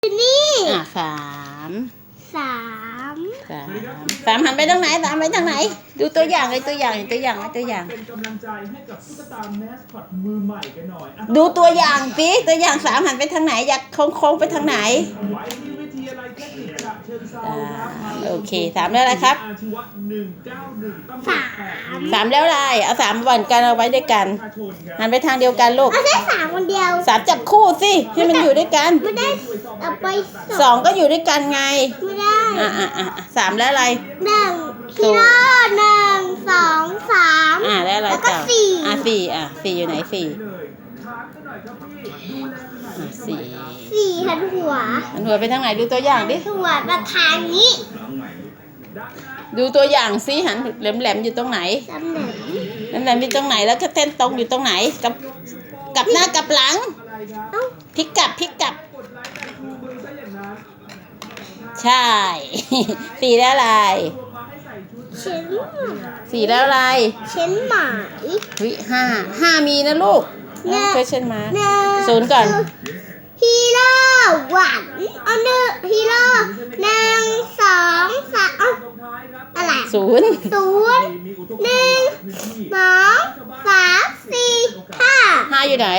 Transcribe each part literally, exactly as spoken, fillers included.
นี่อ่ะสามสามสามสามหันไปทางไหนสามไปทางไหนดูตัวอย่างเลยตัวอย่างตัวอย่างตัวอย่างเป็นกำลังใจให้กับตุ๊กตาแมสคอตมือใหม่กันหน่อยอ่ะดูตัวอย่างสิตัวอย่างสามหันไปทางไหนอยากโค้งๆไปทางไหนไว้ที่วิทยาลัยเทคนิคฉะเชิงเทราครับโอเคสามแล้วอะไรครับอาชีวะหนึ่งเก้าหนึ่งตำรวจแปดหนึ่งสามแล้วอะไรเอาสามวันกันเอาไว้ด้วยกันประชาชนครับหันไปทางเดียวกันลูกเอาได้สามคนเดียวสามจับคู่สิให้มันอยู่ด้วยกันไม่ได้เอาไปสองก็อยู่ด้วยกันไงไม่ได้อ่ะอ่ะอ่ะสามแล้วอะไรหนึ่งฮีโร่หนึ่งสองสามอ่ะแล้วอะไรแล้วก็ต่อสี่อ่ะสี่อ่ะสี่อยู่ไหนสี่เลยถามกันหน่อยครับพี่ดูแลขนาดอ่ะนี้สี่สี่หันหัวหันหัวไปทางไหนดูตัวอย่างดิหัวประทางนี้ดูตัวอย่างสิหันแหลมๆอยู่ตรงไหนตำแหน่งแหลมๆอยู่ตรงไหนแล้วก็เส้นตรงอยู่ตรงไหนกับกับหน้ากับหลังอะไรครับเอ้าพลิกกลับพลิกกลับกดไลค์แต่ชูมือซะอย่างนั้นใช่ สี่แล้วอะไรตัวมาให้ใส่ชุดเช่นสี่แล้วอะไรเช่นหมายวิห้าห้ามีนะลูกเนี่ยเคยเช่นมาหนึ่งศูนย์ก่อนฮีโร่หวันเอาหนึ่งฮีโร่หนึ่งสองสามเอ้าตรงท้ายครับอะไรศูนย์ศูนย์มีอุทกหนึ่งภัยพื้นที่สองสามสี่ห้าห้าอยู่ไหน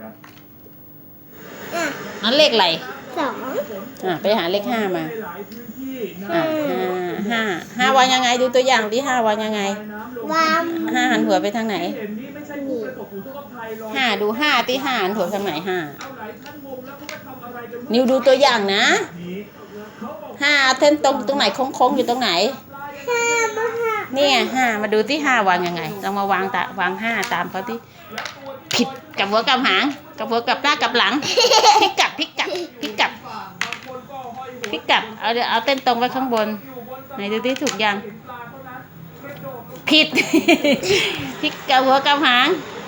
อ่ะอันเลขอะไรสองอ่ะไปหาเลขห้ามาหลายพื้นที่นะอ่ะห้าห้าห้าวางยังไงดูตัวอย่างที่ห้าวางยังไงวางห้าหันหัวไปทางไหนเห็นนี่ไม่ใช่ผู้ประสบอุทกภัยหรอกห้าดูห้าที่ห้าหันหัวทางไหนห้าเอาหลายท่านงงแล้วเขาไปทำอะไรกันนิวดูตัวอย่างนะนี้เขาบอกห้าเส้นตรงตรงไหนโค้งๆอยู่ตรงไหนห้าบ้าห้านี่ไงห้ามาดูที่ห้าวางยังไงเรามาวางตาวางห้าตามเขาที่ผิดกับหัวกับหางกับหัวกับหน้ากับหลังพลิกกลับพลิกกลับพลิกกลับบางคนก็ห้อยหัวพลิกกลับเอาเดี๋ยวเอาเต้นตรงไว้ข้างบนไหนดูที่ถูกยังปลาเท่านั้นกระโดดลงผิด พลิกกับหัวกับหาง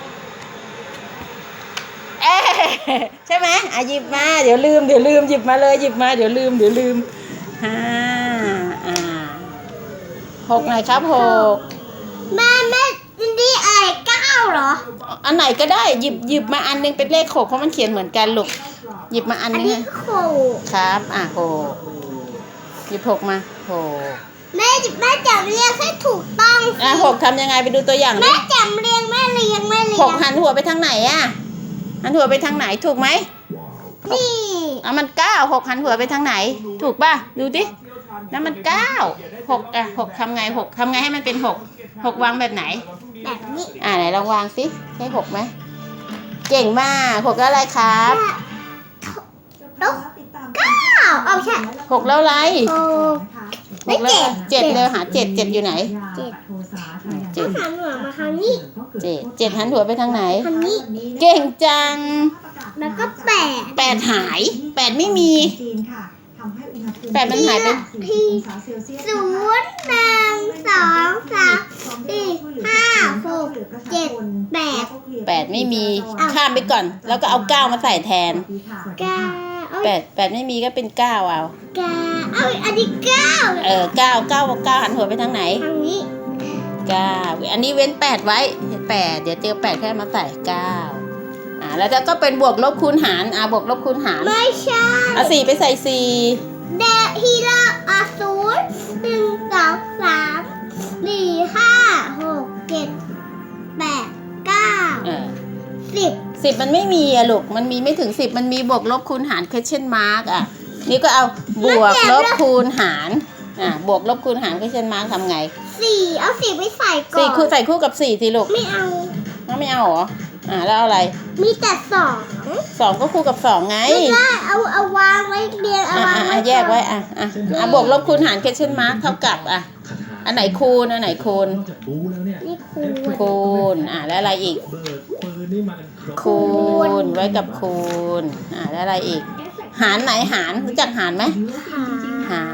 เอ๊ะใช่ไหมอ่ะหยิบมาเดี๋ยวลืมเดี๋ยวลืมหยิบมาเลยหยิบมาเดี๋ยวลืมเดี๋ยวลืมห้าอ่าหกไหนครับหกแม่แม่นี่อะไรเก้าเหรออันไหนก็ได้หยิบหยิบมาอันนึงเป็นเลขหกเพราะมันเขียนเหมือนกันลูกหยิบมาอันอันนึงนี้ฮะโขครับอ่ะหกหยิบหกมาหกแม่แม่จำเรียงให้ถูกต้องสิอ่ะหกทำยังไงไปดูตัวอย่างดิแม่จำเรียงแม่เรียงแม่เรีหยกงหันหัวไปทางไหนอ่ะหันหัวไปทางไหนถูกไหมนี่อ่ะมันเก้าหกหันหัวไปทางไหน ถูกป่ะดูดินั่นมันเก้าหกอ่ะหกทำไงหกทำไงให้มันเป็นหกหกวางแบบไหนแบบนี้อ่าไหนลองวางสิใช่หกไหมเก่งมากหกแล้วอะไรครับลูกเก้าเอาใช่หกแล้วอะไรโอ้หกแล้วเจ็ดเลยหาเจ็ดเจ็ดอยู่ไหนเจ็ดเจ็ดหันหัวมาทางนี้เจ็ดเจ็ดหันหัวไปทางไหนทางนี้เก่งจังแล้วก็แปดแปดหายแปดไม่มี แปดมันหายไปที่ศูนย์หนึ่งสองสามสี่ห้าหกเจ็ดแปดแปดไม่มีข้ามไปก่อน แล้วก็เอาเก้ามาใส่แทนเก้าเอาแปดแปดไม่มีก็เป็นเก้าเอาเก้าเอาอันนี้เก้าเออเก้าเก้าเก้าหันหัวไปทางไหนทางนี้เก้าอันนี้เว้นแปดไว้แปดเดี๋ยวเจอแปดแค่มาใส่เก้าอ่าแล้วก็เป็นบวกลบคูณหารอ่าบวกลบคูณหารไม่ใช่เอาสี่ไปใส่สี่เดฮีโร่อาศูนย์หนึ่งสองสามสี่ห้าหกเจ็ดแปดเก้าเออสิบสิบมันไม่มีอะลูกมันมีไม่ถึงสิบมันมีบวกลบคูณหาร question mark อ่ะนี่ก็เอาบวกลบคูณหารอ่าบวกลบคูณหาร question mark ทำไงสี่เอาสี่ไปใส่ก่อนสี่คู่ใส่คู่กับสี่สิลูกไม่เอาเอาไม่เอาเหรออ่าแล้วเอาอะไรมีแต่สองสองก็คู่กับสองไงไม่ได้เอาเอาวางไว้เรียงเอาอ่ะวางอ่ะไว้อ่ะแยกไว้อ่ะอ่ะอ่ะบวกลบคูณหาร question mark เท่ากับอ่ะอันไหนคูณอันไหนคูณนอกจากบูแล้วเนี่ยนี่คูณคูณอ่ะแล้วอะไรอีกเบิร์ดปืนนี่มันครบคูณไว้กับคูณอ่ะแล้วอะไรอีก หารไหนหารรู้จักหารไหมหาร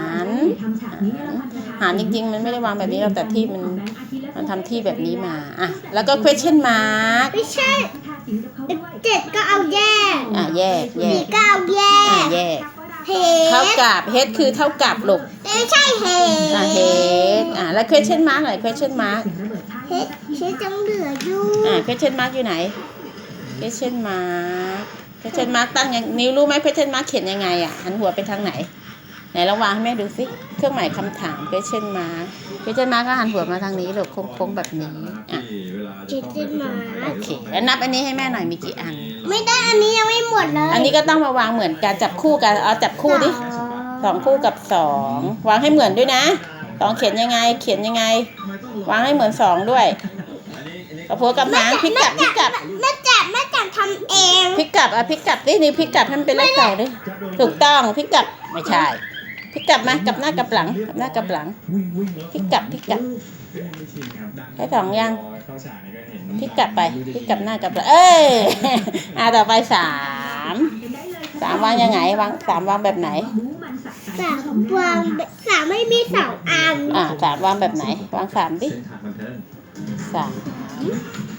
หารหารจริงๆมันไม่ได้วางแบบนี้เราแต่ที่มันมันทำที่แบบนี้มาอ่ะแล้วก็ question mark ไม่ใช่เจ็ดก็เอาแยกอ่ะแยกแยสี่กก็เอาแยอ่ะกแยกเฮเท่าดกับ h คือเท่ากับลูกไม่ใช่เฮอ่ะ h อ่ะแล้ว question mark หน่อย question mark เฮดเฮดจังเหลืออยู่อ่า question mark อยู่ไหน question mark เพชรมาร์กตั้งยังนิ้วรู้ไหมเพชรมาร์กเขียนยังไงอ่ะหันหัวไปทางไหนไหนลองวางให้แม่ดูสิเครื่องหมายคำถามเพชรมาร์กเพชรมาร์กก็หันหัวมาทางนี้หรือโค้งๆแบบนี้อ่ะเจ็ดสิบมาโอเคแล้วนับอันนี้ให้แม่หน่อยมีกี่อันไม่ได้อันนี้ยังไม่หมดเลยอันนี้ก็ต้องมาวางเหมือนกันจับคู่กันเอาจับคู่ดิสองคู่กับสองวางให้เหมือนด้วยนะสองเขียนยังไง เขียนยังไง วางให้เหมือนสองด้วยกระโพกกับหางพลิกกลับพลิกกลับแม่จับแม่จับทำเองพลิกกลับอ่ะพลิกกลับดินี่พลิกกลับให้มันเป็นเลขสองดิถูกต้องพลิกกลับไม่ใช่พลิกกลับมากลับหน้ากลับหลังกลับหน้ากลับหลังวิ่งวิ่งแล้วพลิกกลับพลิกกลับไม่ชินครับให้สองยังเข้าฉากนี่ก็เห็นพลิกกลับไปพลิกกลับหน้ากลับหลังเอ้ย อ่ะต่อไปสามสามวางยังไงวางสามวางแบบไหนสามวางสามไม่มีสองอันอ่าสามวางแบบไหนวางสามดิเส้นทางบันเทิงสาม